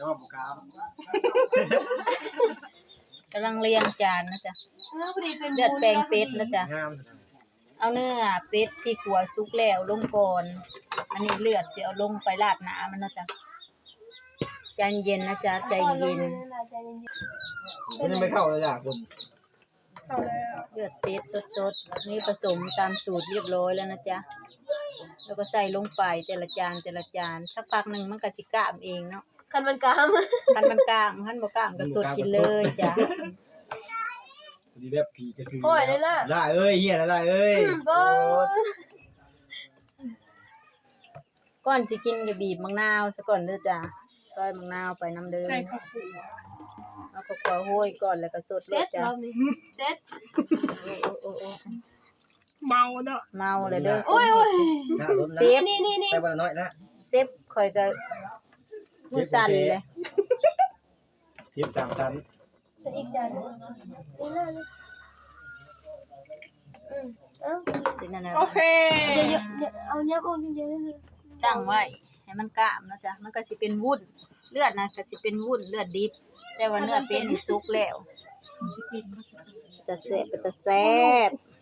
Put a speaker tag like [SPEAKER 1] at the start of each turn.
[SPEAKER 1] แต่ว่าบุกาม
[SPEAKER 2] กำลังเรียงจานนะจ๊ะ
[SPEAKER 3] พอดีเป็น
[SPEAKER 2] เลือดแปลงเป็ดนะจ๊ะ
[SPEAKER 1] งาม
[SPEAKER 2] เอาเนื้อเป็ดที่ขัวสุกแล้วลงก่อนอันนี้เลือดสิเอาลงไปราดหน้ามันนะจ๊ะใจเย็นนะจ๊ะใจเย็น
[SPEAKER 1] มันยังไม่เข้าเลยอ่ะคุณ
[SPEAKER 2] เลือดเป็ดสดๆนี่ผสมตามสูตรเรียบร้อยแล้วนะจ๊ะแล้วก็ใส่ลงไปแต่ละจานสักพักหนึ่งมันก็สิกล้ามเองเนาะ
[SPEAKER 3] คันมันกาม
[SPEAKER 2] คันมันกล้างคันบ่กล้างก็สดกินเลยจ้ะ
[SPEAKER 1] ดีแบบผีกระสือ
[SPEAKER 3] โอ้ยได้ละ
[SPEAKER 1] ได้เอ้ยเฮียได้เอ้ย
[SPEAKER 3] บ่
[SPEAKER 2] ก่อนสิกินก็บีบมะนาวซะก่อนเด้อจ้ะซอยมะนาวไปน้ำเด้อ
[SPEAKER 4] ใช่ข้าวคั่ว
[SPEAKER 2] เอาข้าวคั่วโห้ยก่อนแล้วก็สดเล
[SPEAKER 3] เซ็
[SPEAKER 2] ย
[SPEAKER 3] ต
[SPEAKER 2] จ้ะ
[SPEAKER 3] รอบนี้เซ็ต
[SPEAKER 2] โอ้
[SPEAKER 4] เมาเนาะ
[SPEAKER 2] เมาเลยเด้อ
[SPEAKER 3] โอ้ย
[SPEAKER 1] หน้ารถ
[SPEAKER 2] เซ
[SPEAKER 1] นะ
[SPEAKER 2] ฟ
[SPEAKER 3] นี่
[SPEAKER 1] ไปวันน้อยนะ
[SPEAKER 2] เซฟข่อยก็มือสั่นเลย
[SPEAKER 1] 13ชั้น
[SPEAKER 3] อีกจานนึงนี่น่าเลยเอ้า
[SPEAKER 2] เป็นนั่นแหละ
[SPEAKER 4] โอเค
[SPEAKER 3] เดี๋ยวเอายับออกเยอะๆเลย
[SPEAKER 2] ตั้งไว้ให้มันกล้ามเนาะจ้ะมันก็สิเป็นวุ้นเลือดนะก็สิเป็นวุ้นเลือดดิบ แต่ว่าเนื้อเป็ดนี่สุกแล้วจะแซ่บ